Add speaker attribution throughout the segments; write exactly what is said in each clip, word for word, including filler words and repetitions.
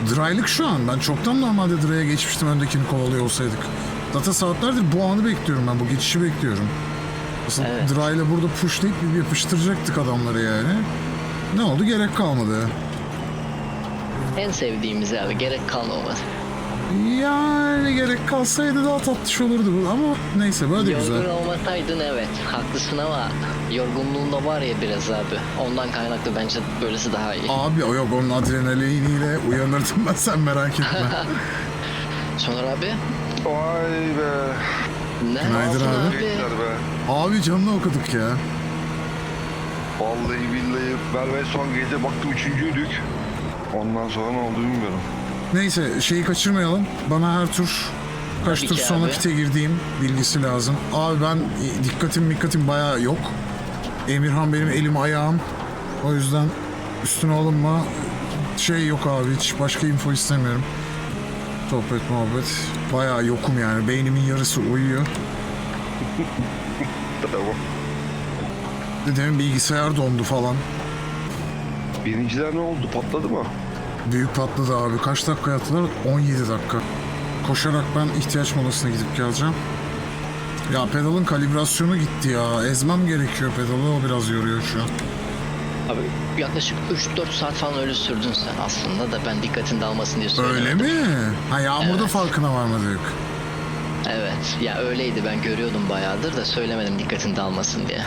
Speaker 1: Dry'lık şu an. Ben çoktan normalde dry'a geçmiştim öndekini kovalıyor olsaydık. Zaten saatlerdir bu anı bekliyorum ben. Bu geçişi bekliyorum. Aslında
Speaker 2: Evet.
Speaker 1: dry'la burada pushlayıp bir yapıştıracaktık adamları yani. Ne oldu? Gerek kalmadı.
Speaker 2: En sevdiğimiz abi, gerek kalmadı.
Speaker 1: Yani gerek kalsaydı daha tatlış olurdu bu. Ama neyse böyle de
Speaker 2: Yorgun
Speaker 1: güzel.
Speaker 2: olmasaydın evet haklısın ama yorgunluğun da var ya biraz abi. Ondan kaynaklı bence böylesi daha iyi.
Speaker 1: Abi o yok, onun adrenaliniyle uyanırdım ben, sen merak etme.
Speaker 2: Soner abi.
Speaker 3: Vay be.
Speaker 2: Ne
Speaker 1: Günaydın
Speaker 2: yaptın
Speaker 1: abi.
Speaker 2: abi?
Speaker 3: Gençler be.
Speaker 1: Abi canını okuduk ya.
Speaker 3: Vallahi billahi ben ve son gece baktım üçüncüydük. Ondan sonra ne oldu bilmiyorum.
Speaker 1: Neyse şeyi kaçırmayalım. Bana her tur kaç
Speaker 2: Tabii
Speaker 1: tur
Speaker 2: ki
Speaker 1: sonra
Speaker 2: abi.
Speaker 1: pite girdiğim bilgisi lazım. Abi ben e, dikkatim dikkatim bayağı yok. Emirhan benim elim ayağım. O yüzden üstüne alınma. Şey yok abi, hiç başka info istemiyorum. Sohbet muhabbet. Bayağı yokum yani. Beynimin yarısı uyuyor.
Speaker 3: Tamam.
Speaker 1: Dedemin bilgisayar dondu falan.
Speaker 3: Birinciler ne oldu? Patladı mı?
Speaker 1: Büyük patladı abi. Kaç dakika yattılar? on yedi dakika. Koşarak ben ihtiyaç molasına gidip geleceğim. Ya pedalın kalibrasyonu gitti ya. Ezmem gerekiyor pedalı. O biraz yoruyor şu an.
Speaker 2: Abi yaklaşık üç dört saat falan öyle sürdün sen aslında da ben dikkatini dağılmasın diye
Speaker 1: Öyle
Speaker 2: söylemedim.
Speaker 1: mi? Ha, yağmurda
Speaker 2: Evet.
Speaker 1: farkına varmadık.
Speaker 2: Evet ya öyleydi, ben görüyordum bayağıdır da söylemedim dikkatin dağılmasın diye.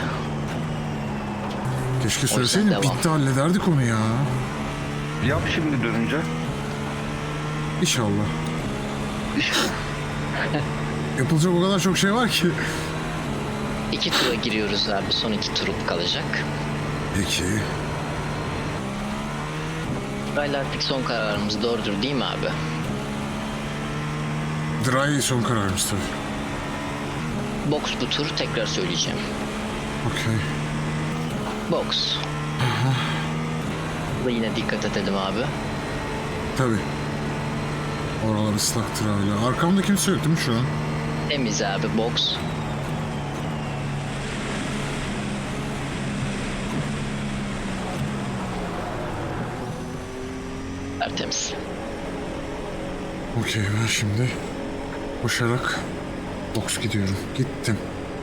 Speaker 1: Keşke söyleseydin,
Speaker 2: devam.
Speaker 1: bitti, hallederdik onu ya.
Speaker 3: Yap şimdi dönünce.
Speaker 1: İnşallah.
Speaker 3: İşte.
Speaker 1: Yapılacak o kadar çok şey var ki.
Speaker 2: İki tura giriyoruz abi, son iki tur kalacak.
Speaker 1: Peki.
Speaker 2: Böyle artık son kararımız doğrudur değil mi abi?
Speaker 1: Dry son kararımız tabii.
Speaker 2: Box bu tur, tekrar söyleyeceğim.
Speaker 1: Okey.
Speaker 2: Box. Burada yine dikkat edelim abi.
Speaker 1: Tabii. Oralar ıslaktır hala. Arkamda kimse yok değil mi şu an?
Speaker 2: Temiz abi, box. Tertemiz.
Speaker 1: Okey, ben şimdi koşarak box gidiyorum. Gittim.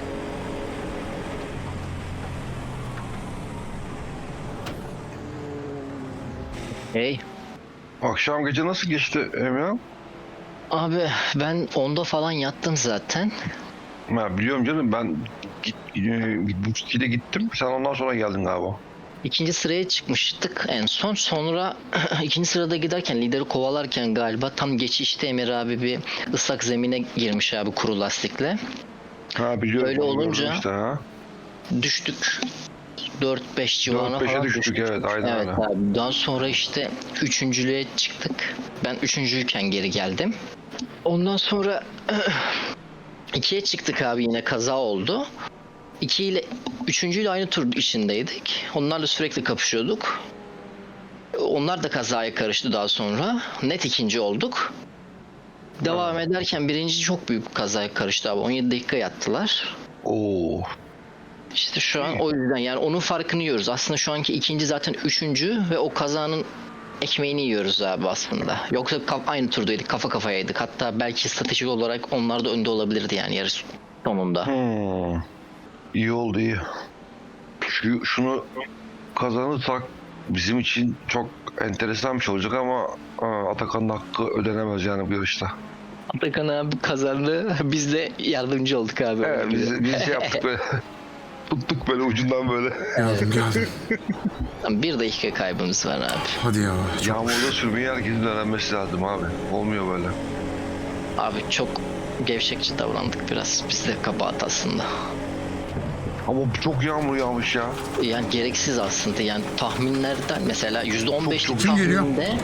Speaker 2: Hey.
Speaker 3: Akşam gece nasıl geçti Emre?
Speaker 2: Abi ben onda falan yattım zaten.
Speaker 3: Ha, biliyorum canım, ben git, e, Buçki'de gittim. Sen ondan sonra geldin galiba.
Speaker 2: İkinci sıraya çıkmıştık en son. Sonra ikinci sırada giderken, lideri kovalarken galiba tam geçişte Emir abi bir ıslak zemine girmiş abi, kuru lastikle.
Speaker 3: Ha biliyorum.
Speaker 2: Öyle
Speaker 3: onu
Speaker 2: olunca-
Speaker 3: gördüm işte, ha.
Speaker 2: Düştük. dört beş civarına
Speaker 3: dört beşe
Speaker 2: falan
Speaker 3: düştük, evet, aynen
Speaker 2: evet
Speaker 3: öyle.
Speaker 2: abi. Daha sonra işte üçüncülüğe çıktık. Ben üçüncüyken geri geldim. Ondan sonra ikiye çıktık abi, yine kaza oldu. İki ile üçüncüyle aynı tur içindeydik. Onlarla sürekli kapışıyorduk. Onlar da kazaya karıştı daha sonra. Net ikinci olduk. Devam ederken birinci çok büyük bir kazaya karıştı abi. on yedi dakika yattılar.
Speaker 3: Oo.
Speaker 2: İşte şu an o yüzden yani onun farkını yiyoruz. Aslında şu anki ikinci zaten üçüncü ve o kazanın ekmeğini yiyoruz abi aslında. Yoksa kaf- aynı turdaydık, kafa kafayaydık. Hatta belki stratejik olarak onlar da önde olabilirdi yani yarış sonunda.
Speaker 3: Hmm. İyi oldu, iyi. Şu, şunu kazanırsak bizim için çok enteresan bir şey olacak ama aa, Atakan'ın hakkı ödenemez yani bu yarışta.
Speaker 2: Atakan abi kazandı. Biz de yardımcı olduk abi.
Speaker 3: Evet, biz, biz şey yaptık böyle. Tuttuk böyle ucundan böyle.
Speaker 1: Geldim geldim.
Speaker 2: Bir dakika kaybımız var abi.
Speaker 1: Hadi ya. Çok...
Speaker 3: Yağmurda sürmeyi herkesin öğrenmesi lazım abi. Olmuyor böyle.
Speaker 2: Abi çok gevşekçi davrandık biraz. Biz de kabahat aslında.
Speaker 3: Ama çok yağmur yağmış ya.
Speaker 2: Yani gereksiz aslında. Yani tahminlerden mesela yüzde on beşlik
Speaker 1: Kim geliyor?
Speaker 2: tahminde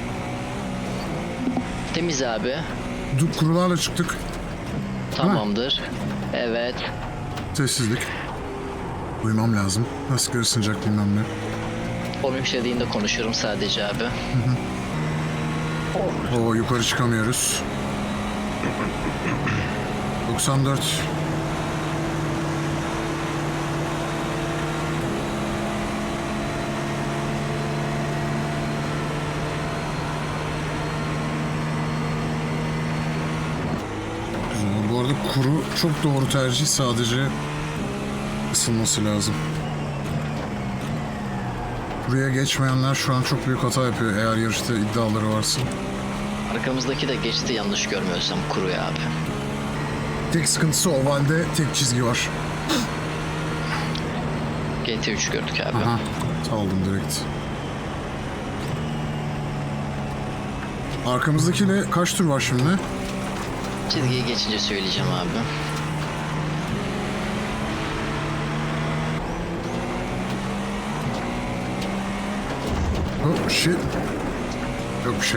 Speaker 2: temiz abi.
Speaker 1: Dur, kurularla çıktık.
Speaker 2: Tamamdır. Evet.
Speaker 1: Sessizlik. Uyumam lazım. Nasıl ısınacak bilmem ne.
Speaker 2: Onun işlediğinde konuşurum sadece abi.
Speaker 1: Oo, yukarı çıkamıyoruz. doksan dört. kuru çok doğru tercih, sadece ısınması lazım. Buraya geçmeyenler şu an çok büyük hata yapıyor eğer yarışta iddiaları varsa.
Speaker 2: Arkamızdaki de geçti yanlış görmüyorsam kuruya abi.
Speaker 1: Tek sıkıntısı ovalde tek çizgi var.
Speaker 2: G T üç gördük abi.
Speaker 1: Aha, saldım direkt. Arkamızdakiyle kaç tur var şimdi?
Speaker 2: Çizgiyi geçince söyleyeceğim abi.
Speaker 1: Oh shit. Yok bir şey.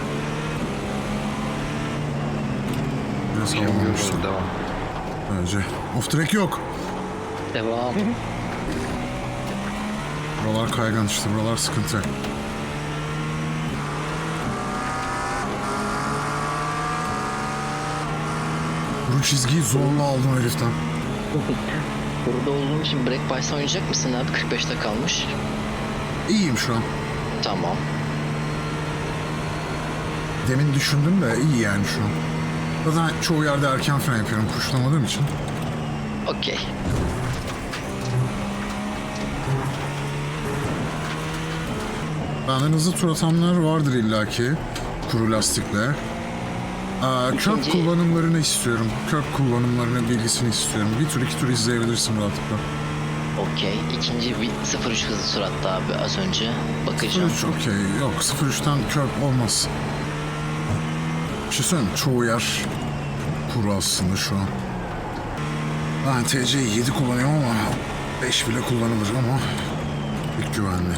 Speaker 1: Biraz
Speaker 3: Şey
Speaker 1: havalanmıştım.
Speaker 3: yapıyoruz, devam.
Speaker 1: Bence. Off track yok.
Speaker 2: Devam.
Speaker 1: Buralar kaygan işte, buralar sıkıntı. Bu çizgiyi zorla aldım heriften.
Speaker 2: Burada olduğum için Break Bice'ı oynayacak mısın abi? kırk beşte kalmış.
Speaker 1: İyiyim şu an.
Speaker 2: Tamam.
Speaker 1: Demin düşündüm de iyi yani şu an. Zaten çoğu yerde erken fren yapıyorum kuşlamadığım için.
Speaker 2: Okey.
Speaker 1: Benden hızlı tur atanlar vardır illaki. Kuru lastikle. Aa, kök
Speaker 2: İkinci-
Speaker 1: kullanımlarını istiyorum. Kök kullanımlarını, bilgisini istiyorum. Bir tur iki tur izleyebilirsin rahatlıkla.
Speaker 2: Okey. İkinci bir sıfır üç hızlı suratta abi az önce. Bakacağım.
Speaker 1: sıfır üç okey. Yok sıfır üçten kök olmaz. Bir şey söyleyeyim mi? Çoğu yer kuru aslında şu an. Ben T C'yi yedi kullanıyorum ama beş bile kullanılır ama pek güvenli.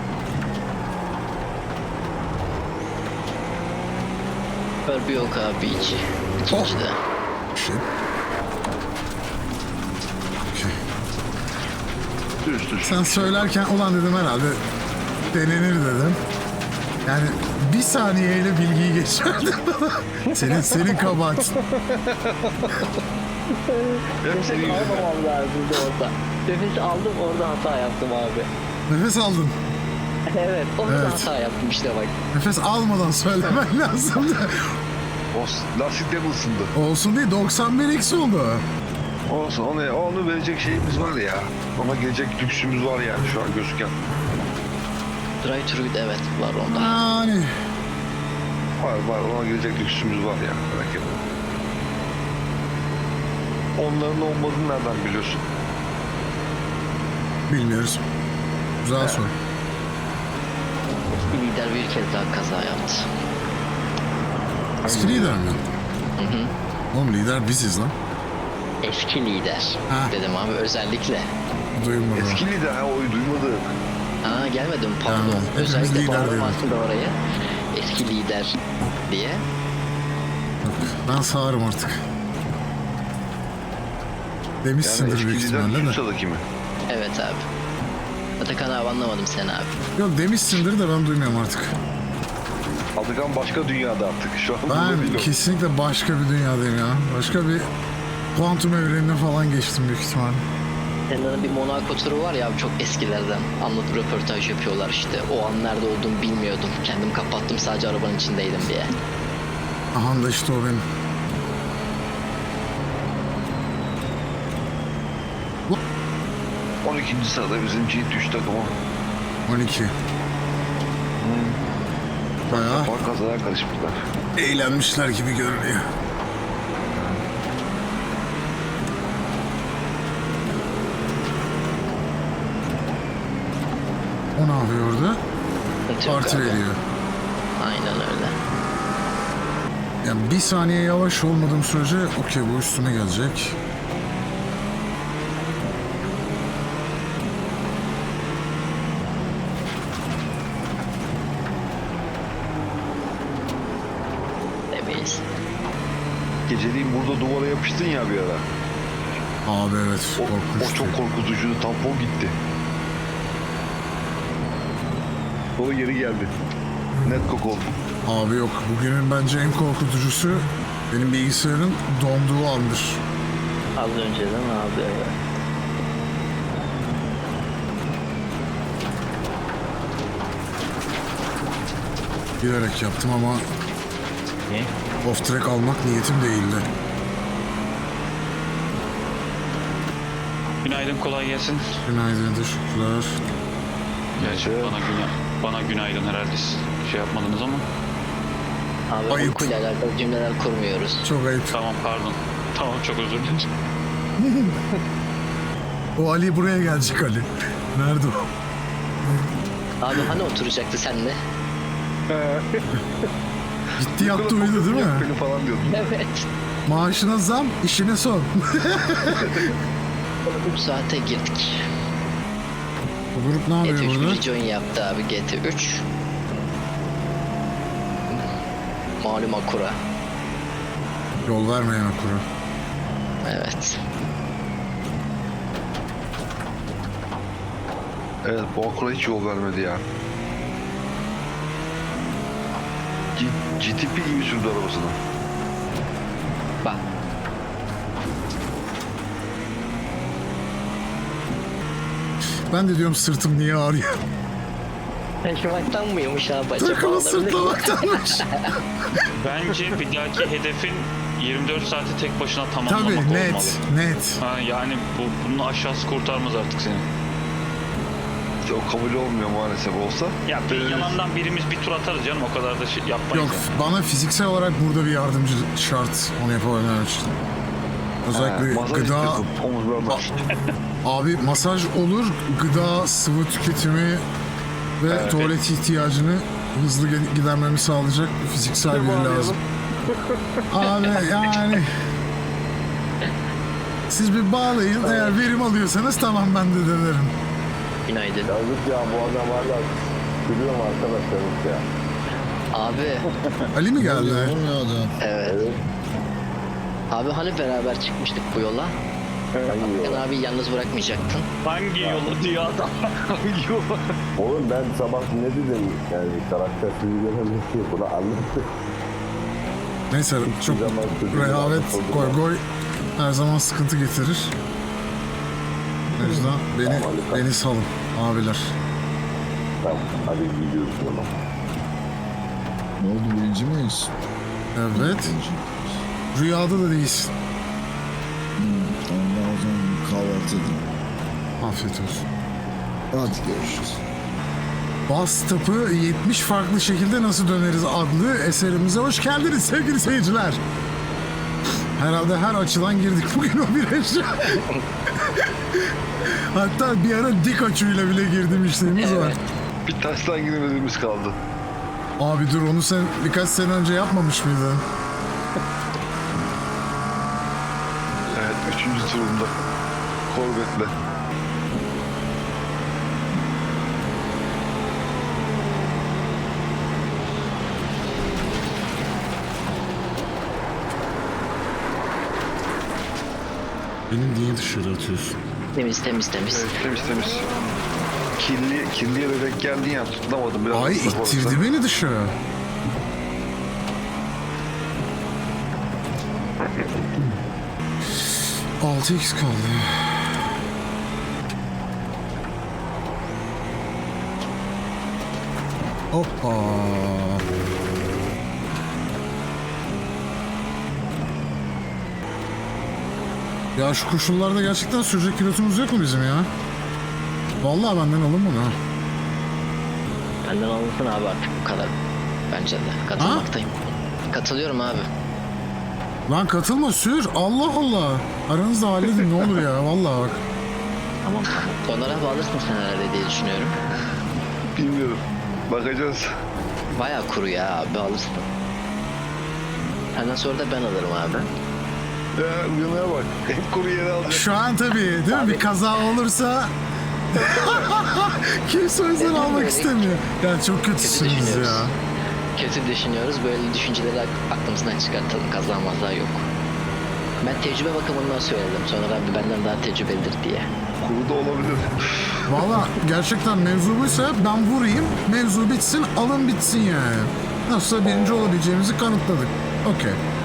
Speaker 2: Var bir yok abi hiç. İkincide.
Speaker 1: Şey. Okey.
Speaker 3: Düz düz.
Speaker 1: Sen söylerken ulan dedim herhalde denenir dedim. Yani bir saniyeyle bilgiyi geçerdin bana. Senin, senin kabahat.
Speaker 3: Hep senin yüzünden.
Speaker 2: Almamam lazımdı orada. Nefes aldım orada hata yaptım abi.
Speaker 1: Nefes aldın.
Speaker 2: Evet orada
Speaker 1: Evet.
Speaker 2: hata yaptım işte bak.
Speaker 1: Nefes almadan söylemen lazımdı.
Speaker 3: O lastiklerim ısındı.
Speaker 1: Olsun değil, doksan bir x oldu.
Speaker 3: Olsun, onu, onu verecek şeyimiz var ya. Ona gelecek lüksümüz var yani şu an gözüken.
Speaker 2: Drive thru evet var onda.
Speaker 1: Yani
Speaker 3: Var var, ona gelecek lüksümüz var ya. Merak etme. Onların olmadığını nereden biliyorsun?
Speaker 1: bilmiyoruz. Güzel soru.
Speaker 2: Bir lider bir kez daha kaza yaptı.
Speaker 1: Eski lider mi? Oğlum lider biziz lan.
Speaker 2: Eski lider
Speaker 1: Ha.
Speaker 2: dedim abi özellikle.
Speaker 1: Duymadım.
Speaker 3: Eski lider ha, oyu duymadı.
Speaker 2: Aa gelmedim pardon.
Speaker 1: Yani, hepimiz
Speaker 2: özellikle
Speaker 1: lider
Speaker 2: bağladım
Speaker 1: dedik.
Speaker 2: aslında oraya. Eski lider diye.
Speaker 1: Yok, ben sağırım artık.
Speaker 3: Yani
Speaker 1: Demişsindir
Speaker 3: eski
Speaker 1: büyük
Speaker 3: lider
Speaker 1: ihtimalle de.
Speaker 3: Susa'daki mi?
Speaker 2: Evet abi. Atakan abi anlamadım seni abi.
Speaker 1: Yok demişsindir de ben duymuyorum artık.
Speaker 3: Atakan başka dünyada artık. Şu an burada değil
Speaker 1: Ben
Speaker 3: o.
Speaker 1: kesinlikle başka bir dünyadayım ya. Başka bir kuantum evrenine falan geçtim büyük ihtimalle.
Speaker 2: Senin bir Monaco turu var ya abi çok eskilerden. Anlatıp röportaj yapıyorlar işte. O an nerede olduğumu bilmiyordum. Kendim kapattım sadece arabanın içindeydim diye.
Speaker 1: Aha da işte o benim.
Speaker 3: on ikinci sırada bizim G üç takımı.
Speaker 1: on iki. Bayağı
Speaker 3: Bak kazaya karışmışlar.
Speaker 1: eğlenmişler gibi görünüyor. O ne yapıyor orada?
Speaker 2: Sıkıntı yok
Speaker 1: Parti
Speaker 2: abi.
Speaker 1: veriyor.
Speaker 2: Aynen öyle.
Speaker 1: Yani bir saniye yavaş olmadığım sürece okey bu üstüme gelecek.
Speaker 2: Demeyiz.
Speaker 3: Geceliğin burada duvara yapıştın ya bir ara.
Speaker 1: Abi evet
Speaker 3: O, o
Speaker 1: korkunçtu.
Speaker 3: çok korkutucuydu. Tampon gitti. O yeri geldi. Net kok oldu.
Speaker 1: Abi yok bugünün bence en korkutucusu benim bilgisayarın donduğu andır.
Speaker 2: Az önceden abi evet.
Speaker 1: Bilerek yaptım ama
Speaker 2: Ne?
Speaker 1: off track almak niyetim değildi.
Speaker 4: Günaydın, kolay gelsin.
Speaker 1: Günaydın, teşekkürler.
Speaker 4: Gerçi bana, güna bana günaydın herhalde siz şey yapmadınız ama.
Speaker 2: Abi
Speaker 1: Ayıp.
Speaker 2: uykuyla alakalı cümleler kurmuyoruz.
Speaker 1: Çok ayıp.
Speaker 4: Tamam, pardon. Tamam, çok özür dilerim.
Speaker 1: O Ali buraya gelecek Ali. Nerede o?
Speaker 2: Abi hani oturacaktı seninle?
Speaker 1: Gitti yattı uyudu değil mi?
Speaker 3: Beni falan diyordun.
Speaker 2: Evet.
Speaker 1: Maaşına zam, işine son.
Speaker 2: üç saate girdik.
Speaker 1: Bu grup ne
Speaker 2: G T
Speaker 1: yapıyor
Speaker 2: üç
Speaker 1: burada?
Speaker 2: bir join yaptı abi G T üç. Malum Akura.
Speaker 1: Yol vermeyen okuru.
Speaker 2: Evet.
Speaker 3: Evet, bu akula hiç yol vermedi ya. G GTP gibi sürdü arabasını.
Speaker 2: Bak.
Speaker 1: Ben de diyorum sırtım niye ağrıyor?
Speaker 2: Taşımaktan mıymış abi acaba?
Speaker 1: Takımı
Speaker 2: Olabilir.
Speaker 1: sırtlamaktanmış.
Speaker 4: Bence bir dahaki hedefin yirmi dört saati tek başına tamamlamak
Speaker 1: Tabii
Speaker 4: olmalı.
Speaker 1: net, net.
Speaker 4: Ha, yani bu, bunun aşağısı kurtarmaz artık seni.
Speaker 3: Çok kabul olmuyor maalesef olsa.
Speaker 4: Ya bir yalandan birimiz bir tur atarız canım, o kadar da şey yapmayız.
Speaker 1: Yok,
Speaker 4: yani.
Speaker 1: bana fiziksel olarak burada bir yardımcı şart onu yapabilmem için. Özellikle
Speaker 3: He, masaj
Speaker 1: gıda,
Speaker 3: istiyordum, omuzlarına.
Speaker 1: abi masaj olur, gıda, sıvı tüketimi ve
Speaker 3: Evet.
Speaker 1: tuvalet ihtiyacını hızlı ge- gidermemi sağlayacak bir fiziksel biri lazım. Abi yani siz bir bağlayın, eğer verim alıyorsanız tamam ben de denerim.
Speaker 2: Günaydın.
Speaker 5: Yazık ya bu adam hala gülüyorum arkadaşlarım ya.
Speaker 2: Abi.
Speaker 1: Ali mi geldi?
Speaker 2: Evet. Abi hani beraber çıkmıştık bu yola?
Speaker 5: Hangi
Speaker 2: Sen
Speaker 5: yol?
Speaker 2: abi yalnız bırakmayacaktın.
Speaker 4: Hangi yolu diyor adam? Hangi yolu?
Speaker 5: Oğlum ben sabah ne dedim yani karakter sürücülerin ki bunu anlattı.
Speaker 1: Neyse çok
Speaker 5: zaman çocuğun
Speaker 1: rehavet,
Speaker 5: anlatıldı
Speaker 1: goy
Speaker 5: ya.
Speaker 1: goy her zaman sıkıntı getirir. O yüzden beni,
Speaker 5: Tamam, hadi.
Speaker 1: beni salın abiler.
Speaker 5: Tamam hadi gidiyoruz o zaman.
Speaker 6: Ne oldu, birinci miyiz?
Speaker 1: Evet. Rüyada da değilsin.
Speaker 6: Hmm, tamam, ben o zaman bir kahvaltı edeyim.
Speaker 1: Afiyet olsun.
Speaker 6: Hadi görüşürüz.
Speaker 1: Bas Tap'ı yetmiş farklı şekilde nasıl döneriz adlı eserimize hoş geldiniz sevgili seyirciler. Herhalde her açıdan girdik bugün o viraja. Hatta bir ara dik açıyla bile girdim işlerimiz var.
Speaker 3: Bir taştan girmediğimiz kaldı.
Speaker 1: Abi dur onu sen birkaç sene önce yapmamış mıydın?
Speaker 3: Evet, üçüncü turunda. Corvette'le.
Speaker 1: Beni niye dışarı atıyorsun?
Speaker 2: Temiz temiz temiz.
Speaker 3: Evet, temiz temiz. Kirli, kirliye de denk geldin ya, tutamadım. Biraz
Speaker 1: Ay
Speaker 3: ıslak olursa.
Speaker 1: ittirdi beni dışarı. altı x kaldı. Hoppa. Ya şu koşullarda gerçekten sürecek pilotumuz yok mu bizim ya? Vallahi benden alın bunu. ha.
Speaker 2: Benden alınsın abi artık bu kadar. Bence de. Katılmaktayım. Katılıyorum abi.
Speaker 1: Lan katılma sür. Allah Allah. Aranızda halledin ne olur ya. Vallahi bak.
Speaker 2: Tamam. Onlara abi alırsın sen herhalde diye düşünüyorum.
Speaker 3: Bilmiyorum. Bakacağız.
Speaker 2: Bayağı kuru ya abi alırsın. Senden sonra da ben alırım abi.
Speaker 3: Ya uyanaya bak. Hep kuru yere alacak.
Speaker 1: Şu an tabii değil mi? Bir kaza olursa kimse o yüzden almak istemiyor. Yani çok kötüsünüz
Speaker 2: düşünüyoruz.
Speaker 1: ya.
Speaker 2: Kötü düşünüyoruz. Böyle düşünceleri ak- aklımızdan çıkartalım. Kazanmazlar yok. Ben tecrübe bakımından söyledim. Sonra abi benden daha tecrübelidir diye.
Speaker 3: Kuru da olabilir.
Speaker 1: Valla gerçekten mevzu buysa ben vurayım. Mevzu bitsin alın bitsin yani. Nasılsa birinci olabileceğimizi kanıtladık. Okey.